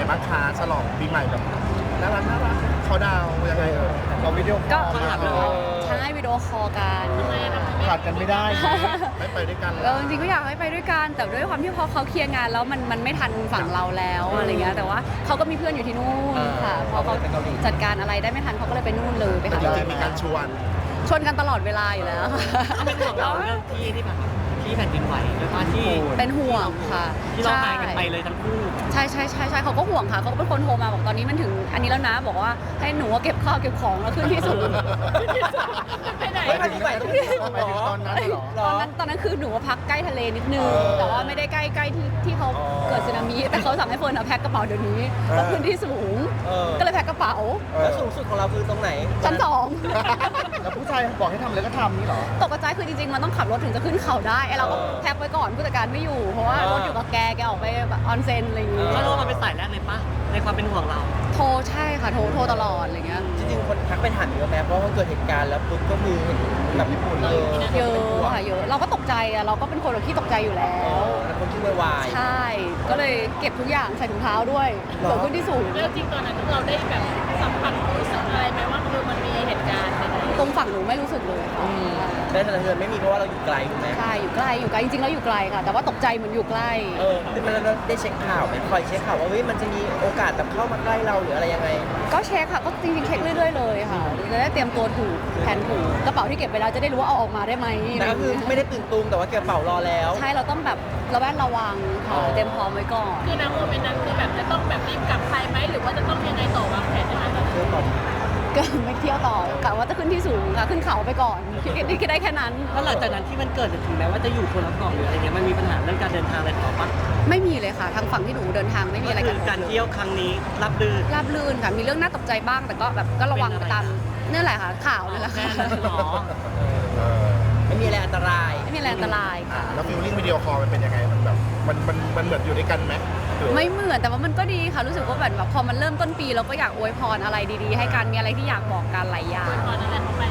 บ้างคะฉลองปีใหม่แบบน่ารักเขาดาวยังไงเราวิดีโอคก็อลใช่วิดีโอคอลกันขาดกันไม่ได้ไม่ไปด้วยกันจริงๆก็อยากให้ไปด้วยกันแต่ด้วยความที่พอเขาเคลียร์งานแล้วมันไม่ทันฝั่งเราแล้วอะไรเงี้ยแต่ว่าเขาก็มีเพื่อนอยู่ที่นู่นค่ะพอเขาจัดการอะไรได้ไม่ทันเขาก็เลยไปนู่นเลยไปหาจริงๆมีการชวนกันตลอดเวลาอยู่แล้วเป็นห่วงเราเรื่องที่แบบที่แผ่นดินไหวด้วยว่าที่เป็นห่วงค่ะที่เราหายกันไปเลยทั้งคู่ใช่เขาก็ห่วงค่ะเขาก็เป็นคนโทรมาบอกตอนนี้มันถึงอันนี้แล้วนะบอกว่าให้หนูเก็บข้าวเก็บของแล้วขึ้นที่สูงไปไหนไม่ถึงตอนนั้นเหรอตอนนั้นคือหนูว่าพักใกล้ทะเลนิดนึงแต่ว่าไม่ได้ใกล้ที่เขาเกิดสึนามิแต่เขาสั่งให้เฟิร์นแพ็คกระเป๋าเดี๋ยวนี้เพราะขึ้นที่สูงก็เลยแพ็คกระเป๋าแล้วสูงสุดของเราคือตรงไหนชั้นสองแล้วผู้ชายบอกให้ทำอะไรก็ทำนี่เหรอตกใจคือจริงๆมันต้องขับรถถึงจะขึ้นเขาได้ไอเราก็แพ็คไว้ก่อนผู้จัดการไม่อยู่เพราะว่ารถอยู่กับแกออกไปแบบออนเซ็นอะไรอย่างงี้ก็รู้ว่ามันเป็นสายแรกเลยปะในความเป็นห่วงเราโทรใช่ค่ะโทรตลอดอะไรเงี้ยจริงๆคนทักไปถามเยอะแม้เพราะว่าเกิดเหตุการณ์แล้วปุ๊บก็มีแบบญี่ปุ่นเลยเยอะค่ะเยอะเราก็ตกใจอะเราก็เป็นคนที่ตกใจอยู่แล้วแล้วคนที่วายใช่ ก็เลยเก็บทุกอย่างใส่ถุงเท้าด้วยเกิดขึ้นที่สูงแล้วจริงตอนนั้นเราได้แบบสัมผัสรู้สึกอะไรไหมว่าคือมันมีเหตุการณ์อะไรตรงฝั่งหนูไม่รู้สึกเลยค่ะได้สะเทือนไม่มีเพราะว่าเราอยู่ไกลถูกไหมใช่อยู่ใกล้จริงๆแล้วอยู่ไกลค่ะ แต่ว่าตกใจเหมือนอยู่ใกล้คือมันเราได้เช็คข่าวไหมคอยเช็คข่าวว่ามันจะมีโอกาสแบบเข้ามาใกล้เราหรืออะไรยังไงก็เช็คค่ะก็จริงๆเช็คเรื่อยๆเลยค่ะจะได้เตรียมตัวถูกแผนถูกกระเป๋าที่เก็บไปแล้วจะได้รู้ว่าเอาออกมาได้ไหมแต่ก็คือไม่ได้ตื่นตูมแต่ว่าเก็บกระเป๋ารอแล้วใช่เราต้องแบบระแวดระวังค่ะเตรียมพร้อมไว้ก่อนคือณโมเมนต์นั้นคือแบบจะต้องแบบรีบกลับไทยไหมหรือว่าจะต้องยังไงต่อวางแผนยังไงต่อเชื่อก่อนก็ไม่เที่ยวต่อกะว่าจะขึ้นที่สูงค่ะขึ้นเขาไปก่อนคิดได้แค่นั้นแล้วหลังจากนั้นที่มันเกิดถึงแม้ว่าจะอยู่คนละเกาะหรืออะไรเงี้ยมันมีปัญหาเรื่องการเดินทางอะไรต่อปะไม่มีเลยค่ะทางฝั่งที่หนูเดินทางไม่มีอะไรก็กัคืนอการเที่ยวครั้งนี้รับดื้อราบรื่นค่ะมีเรื่องน่าตกใจบ้างแต่ก็แบบก็ระวังไปตามนี่แหละค่ะข่าวนั่นแหละแค่ค่ะนั้นหรอไม่มีอะไรอันตรายไม่มีอะไรอันตรายค่ะแล้วฟิลลิ่งวิดีโอคอลมันเป็นยังไงมันแบบมันเหมือนอยู่ด้วยกันไหมไม่เหมือนแต่ว่ามันก็ดีค่ะรู้สึกว่าแบบพอมันเริ่มต้นปีเราก็อยากอวยพรอะไรดีๆ ให้กันมีอะไรที่อยากบอกกันหลายอย่างตอนนั้นแหละเขาไป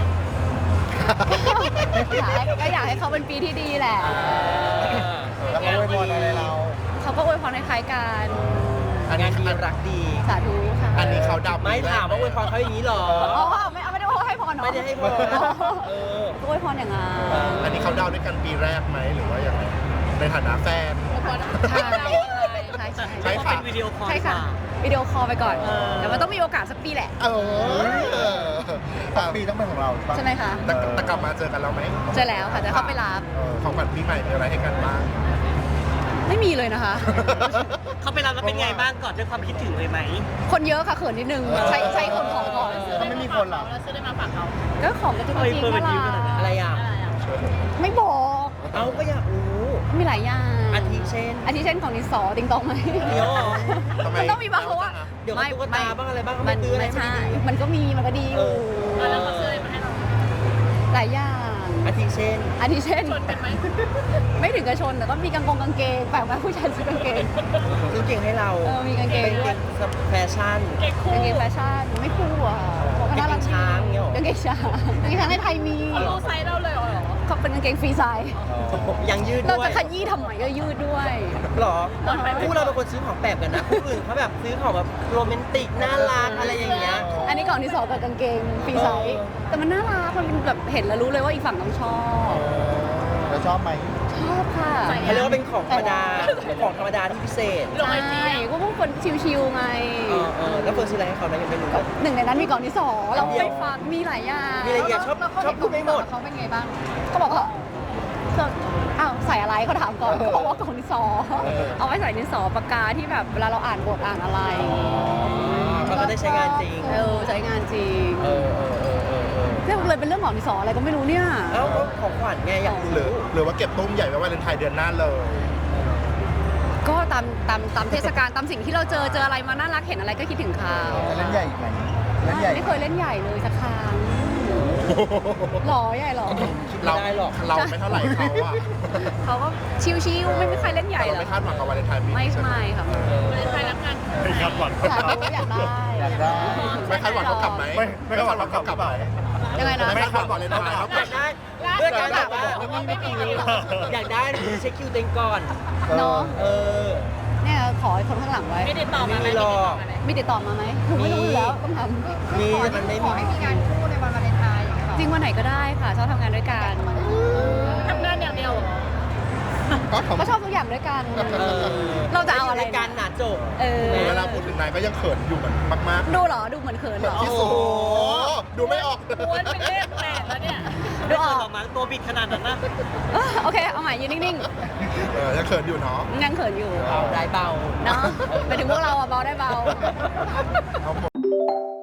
ก็อยากให้เขาเป็นปีที่ดีแหละแล้วเขาอวยพรอะไรเราเขาก็อวยพรคล้ายๆกันงานดีรักดีสาธุค่ะอันนี้เขาดับไม่ถามว่าอวยพรเขาอย่างนี้หรออ๋อไม่ได้ว่าให้พรเนาะไม่ได้ให้พรก็อวยพรอย่างนั้นอันนี้เขาดาวด้วยกันปีแรกไหมหรือว่าอย่างไรในฐานะแฟนใช่ใช่ใช่ใช่ค่ะเป็นวิดีโอคอลใช่ค่ะวิดีโอคอลไปก่อนแต่มันต้องมีโอกาสสักปีแหละปีต้องเป็นของเราใช่ไหมคะแต่กลับมาเจอกันแล้วไหมเจอแล้วค่ะจะเข้าไปรับของขวัญปีใหม่มีอะไรให้กันบ้างไม่มีเลยนะคะเขาไปรับแล้วเป็นไงบ้างก่อนด้วยความคิดถึงเลยไหมคนเยอะค่ะเขินนิดนึงใช้คนของก่อนถ้าไม่มีคนหรอเราซื้อได้มาฝากเขาก็ของกระจุกกระจิกน่ารักอะไรอ่ะไม่บอกเอาก็อยากรู้มีหลายอย่างอาทิเช่นอาทิเช่นของดินสอติงตองไหมเดี๋ยวมันต้องมีบ้างเพราะว่าเดี๋ยวตุ๊กตาบ้างอะไรบ้างเขามัไม่นตื้ออะไรไม่ไม่ใช่ดีมันก็มีมันก็ดีอยู่แล้วเขาซื้ออะไรมาให้เราหลายอย่างอาทิเช่นอาทิเช่นชนกันไหมไม่ถึงกระชนแต่ก็มีกางเกงแปลกไหมผู้ชายซื้อกางเกงซื้อเก่งให้เรามีกางเกงเป็นด้วยเก่งแฟชั่นเก๊กคู่กางเกงแฟชั่นไม่คู่อ่ะเพราะว่าน่ารักกางเกงช้างเงี้ยหรอกางเกงช้างกางเกงช้างในไทยมีเขารู้ไซส์เราเลยเหรอเขาเป็นกางเกงฟรีไซส์ยังยืดเราด้วยจะขยี้ทำไมก็ยืดด้วยหรอคู่เราเป็นคนซื้อของแปลกกันนะคู่อื่นเขาแบบซื้อของแบบโรแมนติกน่ารักอะไรอย่างเงี้ยอันนี้ก่อนที่สองกับกางเกงฟรีไซส์แต่มันน่ารักมันเป็นแบบเห็นแล้วรู้เลยว่าอีกฝั่งต้องชอบแล้วชอบไหมชอบค่ะเขาเรียกว่าเป็นของธรรมดาของธรรมดาที่พิเศษลงไอจีใช่ก็พวกคนชิวๆไงแล้วเฟิร์นซื้ออะไรให้เขานะยังไม่รู้เลยหนึ่งในนั้นมีกล่องที่สองเราไปฟังมีหลายอย่างมีอะไรอย่างชอบพูดไม่หมดเขาเป็นไงบ้างเขาบอกว่าอ้าวใส่อะไรเขาถามก่อนเขาบอกว่ากล่องที่สองเอาไว้ใส่ดินสอปากกาที่แบบเวลาเราอ่านบทอ่านอะไรเขาก็ได้ใช้งานจริงใช้งานจริงเออเรื่องเลยเป็นเรื่องของดินสออะไรก็ไม่รู้เนี่ยเอ้าของขวัญไงอยากหรือว่าเก็บตุ้มใหญ่ไว้วาเลนไทน์เดือนหน้าเลยก็ตามเทศกาลตามสิ่งที่เราเจออะไรมาน่ารักเห็นอะไรก็คิดถึงเขาเล่นใหญ่ไหมเล่นใหญ่ไม่เคยเล่นใหญ่เลยสักครั้งหล่อใหญ่หรอเราไม่เท่าไหร่เขาอะเขาก็ชิวๆไม่มีใครเล่นใหญ่เราหรอไม่คาดหวังกับวาเลนไทน์ปีไม่นี้ใช่ไหมไม่ค่ะเลยไทยรับงานไม่คาดหวังอยากได้ไม่คาดหวังเขากลับไหมไม่คาดหวังเขากลับไหมยังไงนะไม่คาดหวังเลยนะอยากได้เพื่อนกันแบบว่าอยากได้เช็คคิวเต็งก่อนเนาะเออเนี่ยขอคนข้างหลังไว้ไม่ได้ตอบมาไหมไม่หรอกมีติดต่อมาไหมหนูไม่รู้อยู่แล้วต้องทมีแต่มันไม่มีำจริงวันไหนก็ได้ค่ะชอบทำงานด้วยกันทำงานอย่างเดียวเหรอก็ทำก็ชอบทุกอย่างด้วยกันเออเราจะเอาอะไรยู่ในการหนาจบเออเวลาพูดถึงนายก็ยังเขินอยู่เหมือนมากดูเหรอดูเหมือนเขินๆเหรอที่สุดดูไม่ออกม้วนเป็นเลขแปดแล้วเนี่ยดูออกออกมาตัวบิดขนาดนั้นนะโอเคเอาใหม่ยืนนิ่งยังเขินอยู่เนาะๆยังเขินอยู่เบาได้เบาเนาะไปถึงพวกเราอะเบาได้เบาเอาหมด